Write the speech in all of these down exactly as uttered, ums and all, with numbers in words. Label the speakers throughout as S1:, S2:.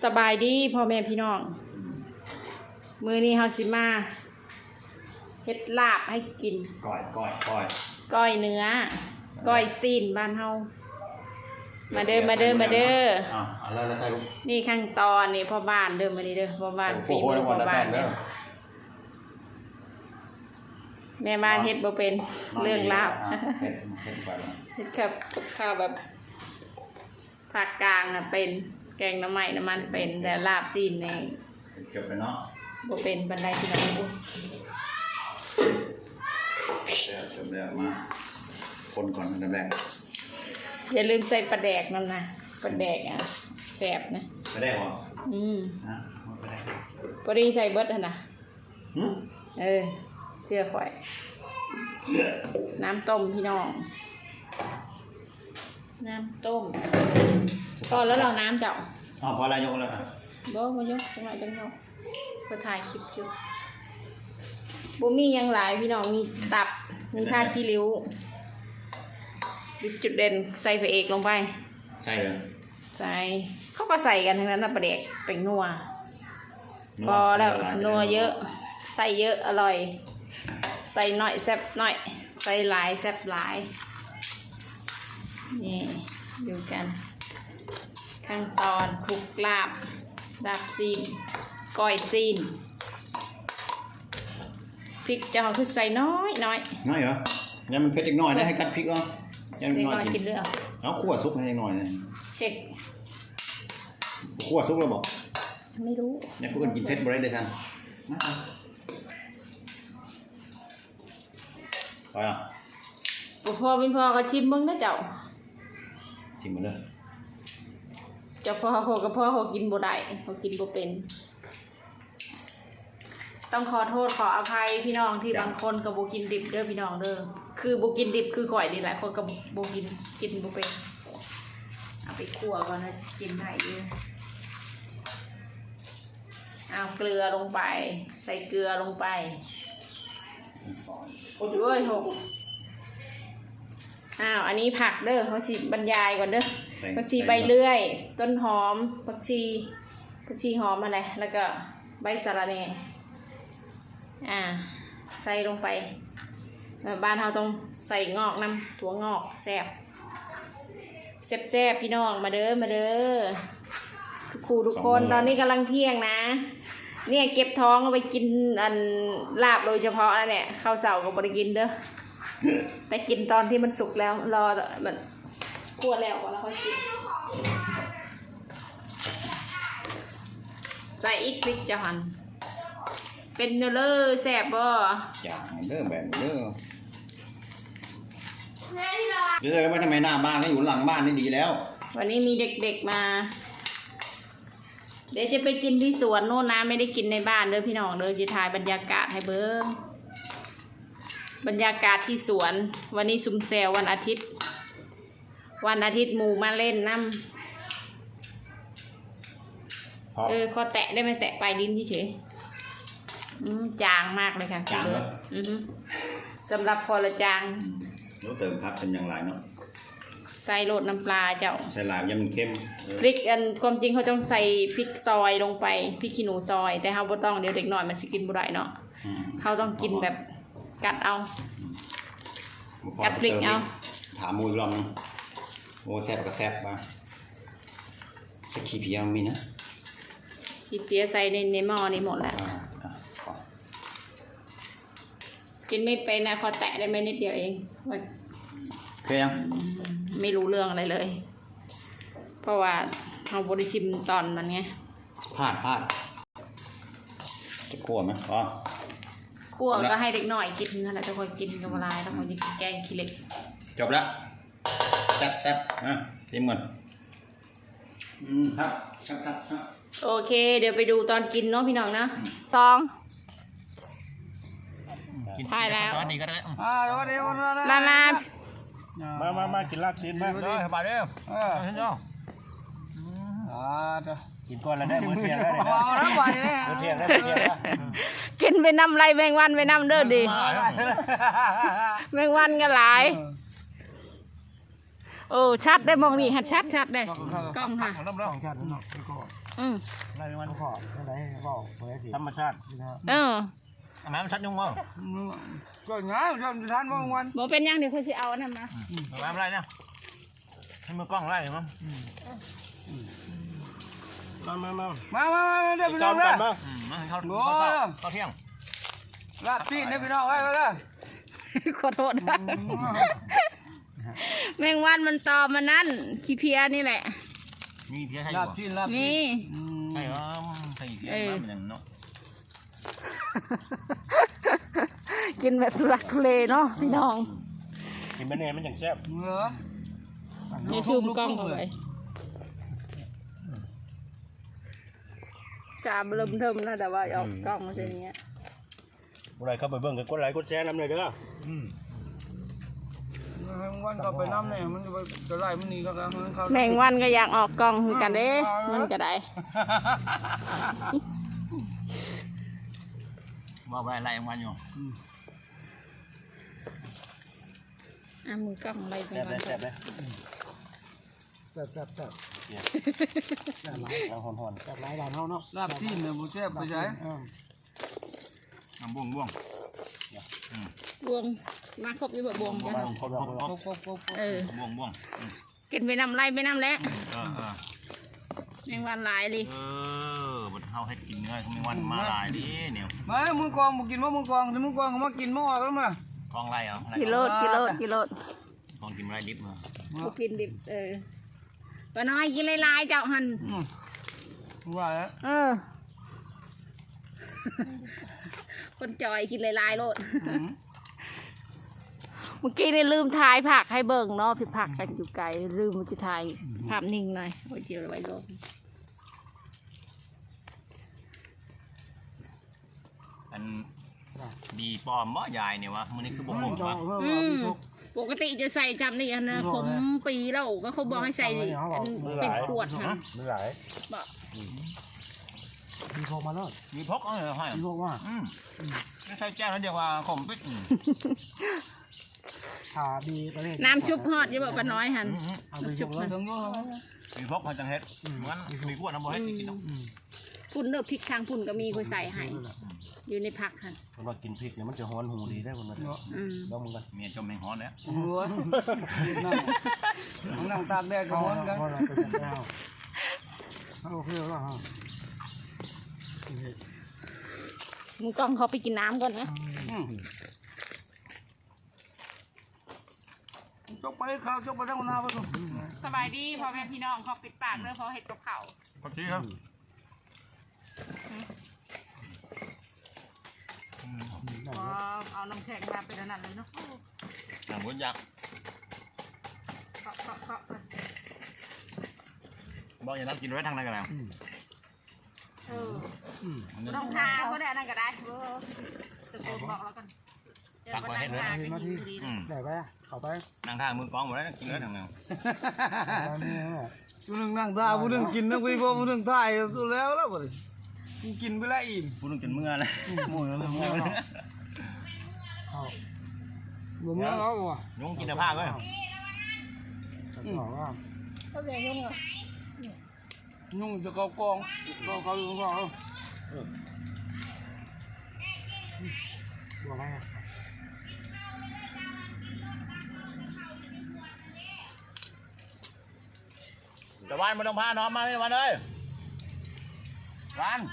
S1: สบายดีพ่อแม่พี่น้องมื้อนี้เฮาสิมาเฮ็ดลาบให้กิน
S2: ก้อยก้อยก้อย
S1: ก้อยเนื้อก้อยซีนบ้านเฮามาเด้อมาเด้อมาเด้อ
S2: อ่ะแล้วแล้วใส่ลูก
S1: นี่ขั้นตอนนี่พ่อบ้านเด้อมานี่เด้อพ่อบ้านฝีมือพ่อบ้านเด้อแม่บ้านเฮ็ดบ่เป็นเรื่องลาบ
S2: เฮ็ดเฮ็ดไปแล้ว
S1: เฮ็ดกับข้าวแบบภาคกลางน่ะเป็นแกงน้ำไหม้น้ำมันเป็นแต่ลาบซีนนี่
S2: เก็บไปเนาะ
S1: บ่เป็นบันไดที่น้องบ่
S2: เดี๋ยวจบแล้วมาคนก่อนอันดับแรก
S1: อย่าลืมใส่ปลาแดกนั่นนะปลาแดกอ่ะแซ่บนะ
S2: ปลาแดกเหรอ
S1: อืม
S2: ฮะปลาแดก
S1: พอดีใส่เบิดหั่นน่ะ
S2: หึ
S1: เออเชื่อข่อยน้ำต้มพี่น้องน้ำต้มพอแล้วเราน้ำเจ้า
S2: อ๋อพอแล้วยกแล้วอ่ะ
S1: บ่บ่ยกจังหวะจังยกก็ถ่ายคลิปอยู่บ่มีหยังหลายพี่น้องมีตับมีผ้าขี้ริ้วจุดเด่นใส่พระเอกลงไป
S2: ใช่เลย
S1: ใส่เขาก็ใส่กันทั้งนั้นนะปลาแดกเป็นนัวพอแล้วนัวเยอะใส่เยอะอร่อยใส่หน่อยแซ่บหน่อยใส่หลายแซ่บหลายนี่ดูกันขั้นตอนคลุกลาบลาบซีนก้อยซีนพริกจะเอาขึ้นใส่น้อยน้อย
S2: น้อยเหรอยังมันเผ็ดอีกหน่อยได้ให้กัดพริกเหรอยังน้อยกิน
S1: เรื่อง
S2: เอาคั่วซุปให้หน่อยเลย
S1: เช็ค
S2: คั่วซุปแล้วบอก
S1: ไม่รู้
S2: เนี่ยพวกคนกินเผ็ดบ่ได้เลยท่านไปอ่ะ
S1: พอเป็นพอก็ชิมมึงนะเจ้า
S2: ชิมหมดเลย
S1: เจ้าพ่อโหกับพ่อโหกินบ่ได้โหกินบ่เป็นต้องขอโทษขออภัยพี่น้องที่บางคนกับโบกินดิบเด้อพี่น้องเด้อคือโบกินดิบคือข่อยนี่แหละคนกับโบกินกินโบเป็นเอาไปคั่วก่อนนะกินได้เยอะเอาเกลือลงไปใส่เกลือลงไปด้วยหกอ้าวอันนี้ผักเด้อเขาสิบรรยายก่อนเด้อผักชีใบเลื่อยต้นหอมผักชีผักชีหอมอะไรแล้วก็ใบสะระแหน่อ่าใส่ลงไปบ้านเราต้องใส่งอกน้ำถั่วงอกแซ่บแซ่บแซ่บพี่น้องมาเด้อมาเด้อครูทุกคนตอนนี้กำลังเที่ยงนะเนี่ยเก็บท้องเอาไปกินอันลาบโดยเฉพาะนะเนี่ยข้าวเสากับบริกินเด้อไปกินตอนที่มันสุกแล้วรอมันคั่วแล้วก่อนแล้วค่อยกินใส่อีกพริกจะหั่นเป็นเนื้อเล่อแซ่บบ่
S2: อย่างเด้อแบบเด้อเดี๋ยวไม่ทำไมหน้าบ้านก็อยู่หลังบ้านนี่ดีแล้ว
S1: วันนี้มีเด็กๆมาเดี๋ยวจะไปกินที่สวนโน่นนะไม่ได้กินในบ้านเด้อพี่น้องเด้อจะถ่ายบรรยากาศให้เบิ้งบรรยากาศที่สวนวันนี้ซุมแซววันอาทิตย์วันอาทิตย์หมู่มาเล่นน้ำเออขอแตะได้ไหมแตะปลายลิ้นเฉยจางมากเลยค่ะ
S2: จางเลย
S1: สำหรับพอละจาง
S2: แล้วเติมพักเป็นอย่างไรเนาะ
S1: ใส่โรดน้ำปลาเจ้า
S2: ใส่ลาบยังมันเข้ม
S1: พริกอันความจริงเขาต้องใส่พริกซอยลงไปพริกขี้หนูซอยแต่เขาบ่ต้องเดี๋ยวเด็กหน่อยมันสิกินบ่ได้เนาะเขาต้องกินแบบกัดเอากัดพริกเอา
S2: ถามมูอีกรอบนึงโอ้แซ่บก็แซ่บมาสักขี้เพียมีนะ
S1: ขี้เพียใส่ในในหม้อนี่หมดแล้วกินไม่เป็นนะพอแตะได้ไม่นิดเดียวเอง
S2: เคยยัง
S1: ไม่รู้เรื่องอะไรเลยเพราะว่าเราบริชิมตอนมันไง
S2: พลาดพลาดจะคั่วไหมอ๋อ
S1: คั่วก็ให้เด็กหน่อยกินนั่นแหละจะคอยกินกับอะไรต้องคอยกินแกงขี้เหล็ก
S2: จบแล้วแซ่บแซ่บอ่ะชิมก่อนอืมครับครับครับ
S1: โอเคเดี๋ยวไปดูตอนกินเนาะพี่น้องนะสองถ่ายแล้ว
S2: สวัสดีก็ได้
S3: อ่าสวัสดีวันนั้น
S1: มามา
S3: มามามากินลาบซีนมา
S2: เลยไปเร็วเออเห็นยัง
S3: อ่าจ้ะ
S4: กินก่อนแล้วได้มื้อเที่ยงได้เลยนะมื้อเที่ยงได้มื้อเที่ยงนะ
S1: กินไปน้ำไรแมงวันไปน้ำเด้อดิแมงวันก็หลาย โอ้ชัดได้มองนี่หัดชัดชัดได้กล้องค่ะอืม
S4: ไล่มันขออะไรบอกธรรมชาติ
S1: เออ
S2: ทำไมมันชัดยุ่งมั้ง
S3: ก็ง่ายจำทานบางวัน
S1: บ่เป็นหยังเดี๋ยวค่อยสิเอาอันนั้นมา
S2: ทำไมอะไรเนี่ยให้มือกล้องไล่มั้ง
S4: มามามา
S3: มามามาเดี๋ยวพี่
S4: จ
S3: น้
S4: อ
S3: อ
S4: ม
S3: ง
S4: กั
S3: นะ
S4: นมา
S2: อืมมาให้เขา
S3: โอ้
S2: เขาเข้าเขาเที่ยง
S3: ลาบซีนนะพี่น้องไว้ไว้เลย
S1: ขอโทษนะแมงวันมันตอมมันนั่นขี้เพียนี่แหละ
S2: มีเพี้ยให้
S3: ลา
S2: บ่
S3: บซีนลาบซี
S1: นี่
S3: น
S2: ใช่เหรอใช่เพี้ยมาเป็นอย่างเนาะ
S1: กินแบบทุลักทุเลเนาะพี่น้อง
S4: กินไปเนี่ยมันอย่างแซ่บ
S3: เหงือ
S1: นี่ซูมกล้องเข้าไปจามเริ่มเทิมนะแต่ว่าออกกล้องมาเช่นนี้
S4: อะไรเข้าไปเบิ่งกันกดไลค์กดแชร์น้ำเลยเด้อ
S3: ให้วันก็ไปน้ำเนี่ยมันจะไปจะไล่มันหนีก็แล้วมันเข้า
S1: แมงวันก็อยากออกกล้องคือกันเด้มันก็ได้
S2: ว่าไปไล่มันอยู่
S1: อ่ะมือกล้องอะไรจัง
S4: แซ่บ
S1: ห
S4: เล
S1: วะ
S4: ยแซ่บเลย
S3: แซ่บแซ่บแซ่บ
S4: เอาหอนๆแซ่บหลายบานเฮาเนาะ
S3: ลาบซีนเนี่ยบุแซ่บไปใช้
S2: น้ำบ่วงบ่วง
S1: บวงมาครบอยู่แบบบวงจ้ะ
S4: บางคนบอกว่า
S3: โป๊กโป๊กโป๊ก
S1: เออ
S2: บ่วงบ่วง
S1: กินไปน้ำไรไปน้ำแล้ว
S2: เออเออ
S1: แมงวันหลายเลย
S2: เออบัดเฮาให้กินเนื้อเขาไม่วันมาหลายดิเนี่ย
S3: มามึงกองมึงกินว่ามึงกองถ้ามึงกองก็มากินมาออกแล้วมาก
S2: องไล่เหรอ
S1: กิโลดกิโลดกิโลด
S2: กองกินไรดิบมา
S1: กูกินดิบเออป้าน้อยกินหลายๆเจ้าหัน
S3: ว่าแล้ว
S1: เออ คนจอยกินหลายๆโลดเมื่อกี้นี่ลืมถ่ายผักให้เบิ่งเนาะพี่ผักกันอยู่ไกลลืมมันจะถ่ายภาพนิ่งหน่อยโอ้ยเจียวไว้ลง
S2: อันดีปลอมบ่ยายเนี่ยวะมื้อนี้คือบ่หมดวะ
S1: อืมปกติจะใส่จำนี่อันนะขมปีแล้วก็เขาบอกให้ใส่อันเป็นขวดค่ะ
S4: มันหลาย
S1: บอก
S4: มีโทรมาแล้ว
S2: มีพกเอาเลยให้
S4: มีโทรว่า
S2: อืมไม่ใช่แก้วแล้วเดียวว่าขมปิ๊ก
S4: ขาดีประเทศ
S1: น้ำชุบฮอดอยังบอกป้าน้อยหัน
S4: เอาไปชุบเลย
S3: ถึงยุ่ง
S2: มีพกพอจังเฮ็ดเหมือนมีขวดน้ำบ่เฮ็ดกินเนาะ
S1: ปุ่นเนื้อพริกทางปุ่นก็มีคุยใส่ให้อยู่ในผักค่ะ
S4: คนว่ากินพริกเนี่ยมันจะฮ้อนหูดีได้คนนั้น
S1: อืม
S4: ลองมึงกัน
S2: เมียจมแมงฮ้อนแล้ว
S3: หัวนั่งนั่งตากแดดกับมันกัน
S4: เราไปจับดาวโอเคแล้วฮะ
S1: มึงกล้องเขาไปกินน้ำก่อนนะ
S3: จกไปข้าวจกไปทั้งนาไปทุก
S1: สบายดีพ่อแม่พี่น้องเขาปิดปากเลยเพราะเห็ดกับเขา
S2: ก็ชี้ครับ
S1: เอาน้ำแข็งมาเป็นอันนั้นเลยเนาะ
S2: หนังบุญยักษ์
S1: เคาะเคาะเคาะ
S2: บอกอย่างนั้นกินไว้ทางไหนกันแล้ว
S1: เออรองเท้าก็ได้อันนั้นก็ได้เออตะโกนบอกแล้วกันเดี๋ยววันนั้นมากินดี
S2: อืม
S4: ได้ไปเอาไป
S2: นั่งท่ามือกองหมดแล้วกินไว้ทางไหน
S3: ผู้หนึ่งนั่งตาผู้หนึ่งกินนั่งคุยพ่อผู้หนึ่งถ่ายตัวแล้วแล้วบ่ดิกินไปแล้วอิ่ม
S2: พูดถึงกินเมื่อเลยมั่วแล้วมั่วแล้ว
S4: เอา
S3: บ่มื้อเอาบ่
S2: ยุงกินแต่ผ้าเว้ย
S4: บอกว่า
S1: เขาเรียกยุ่งเหรอ
S3: ยุ่งจะเกากองเกาเขาอยู่ข้าง
S4: บอกว่า
S2: แต่วันไม่ต้องพาน้องมาไม่วันเลยร้าน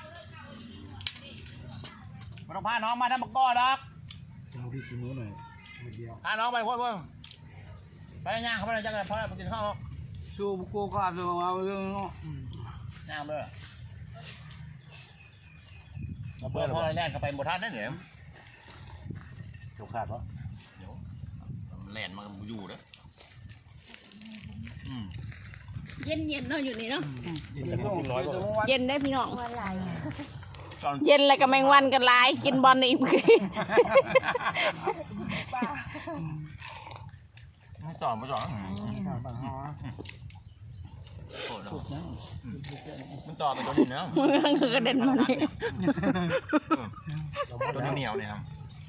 S2: ไม่ต้องพาน้องมาทำบักก้อหรอก
S4: เอาพี่กินนู้นหน่อยเดียว
S2: พาน้องไปพ่อพ่อไปย่างเขาไปเลยจังเลยพ่อไปกินข้าว
S3: สู้โกขาดเลยเอาเรื่องเนาะ
S2: ย่างเลยเพื่อนพ่อแล่นเข้าไปบนท่านนั่นเหรอ
S4: จกขาดปะ
S2: เดี๋ยวแล่นมาอยู่เด้ออืม
S1: เย็นเย็นเนาะอยู่นี่เนาะ
S4: กินแต่กินน้อยกว่า
S1: เย็นได้พี่น้อง
S2: ก่อน
S1: เย็นแล้วก็แมงวันกันหลายกินบอลอีก
S2: ไม่ต่อไม่ต่อ
S4: บางฮอ
S2: โคตรมันต่อเป็นตัวนี้นะ
S1: มันคือกระเด็นมานี่
S2: ตัวเหนียวเนี่ยครับ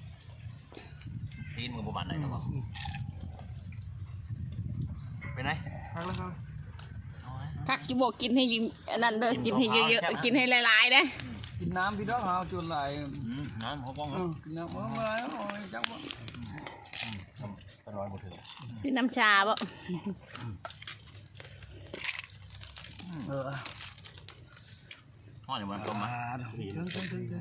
S2: ซีนมือประมาณไหนครับผมเป็นไง
S3: พักแล้วครับ
S2: เอาไว้
S1: คักจิบอกกินให้ยิงอันนั้นเด้อกินให้เยอะๆกินให้หลายๆนะ
S3: กินน้ำพี่น้องเอาจนไหล
S2: อืมน้ำเขาป้อง
S3: กินน้ำเอาอะไรเอาอะไรจังวะ
S4: เป็นร้อยหมดถึง
S1: กินน้ำชาบ่
S3: เออ
S2: ห่อหนึ่งวันต้มมา
S3: ถึงถึงถึงถึง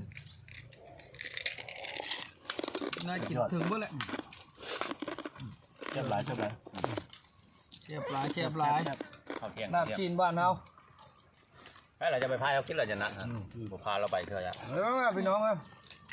S3: น่ากินถึงเมื่อไร
S4: เจ็บหลายเจ็บหลาย
S3: เจ็บหลายเจ็บหลาย
S2: ข้าวเที่ยง
S3: ลาบจีนบ้านเรา
S2: ไอ้เราจะไปพายเขาคิดเราจะนัดนะผมพาเราไปเถอะจ้ะ
S3: เออพี่น้องเออ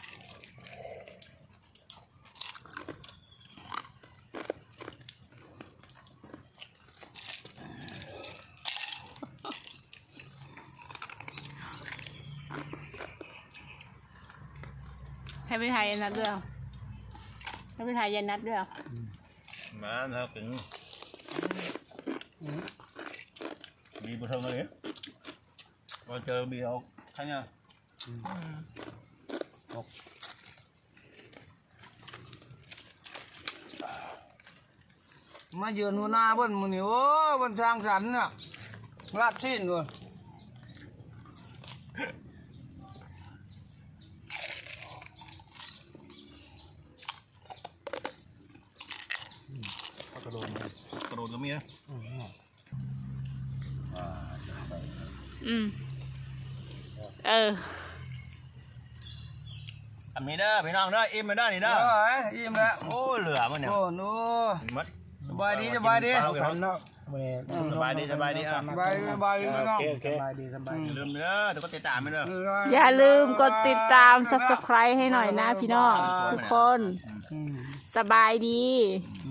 S1: ให้ไปถ่ายยันนัดด้วยให้ไปถ่ายยันนัดด้วย
S2: มาเถอะถึงมีบุญเทิงเลยเราเจอมีเอาใช่ไหม
S3: มาเยือนหัวหน้าเบิ้ลมือนี่โอ้บนสร้างสรรค์น่ะลาบจีนด้วย
S4: กระโดด
S2: กระโดดก็มีนะ
S1: อืมเออ
S2: อันนี้เด้อพี่น้องเด้ออิ่มไปเด้อนี่
S3: เอ
S2: เด้อ
S3: ออิ่มแล้ว
S2: โอ้เหลือมันเนี่ย
S3: โอ้โน
S2: มัด
S3: สบายดีสบายดี
S2: สบายดีสบายดีอ่ะ
S3: สบายสบายดีพี่น้อง
S4: โอเคโอเค
S2: อย่าลืมเด้อแต่ก็ติดตามไปเด้อ
S1: อย่าลืมกดติดตาม ซับสไครบ์ ให้หน่อยนะพี่น้องทุกคน สบายดี
S2: อืม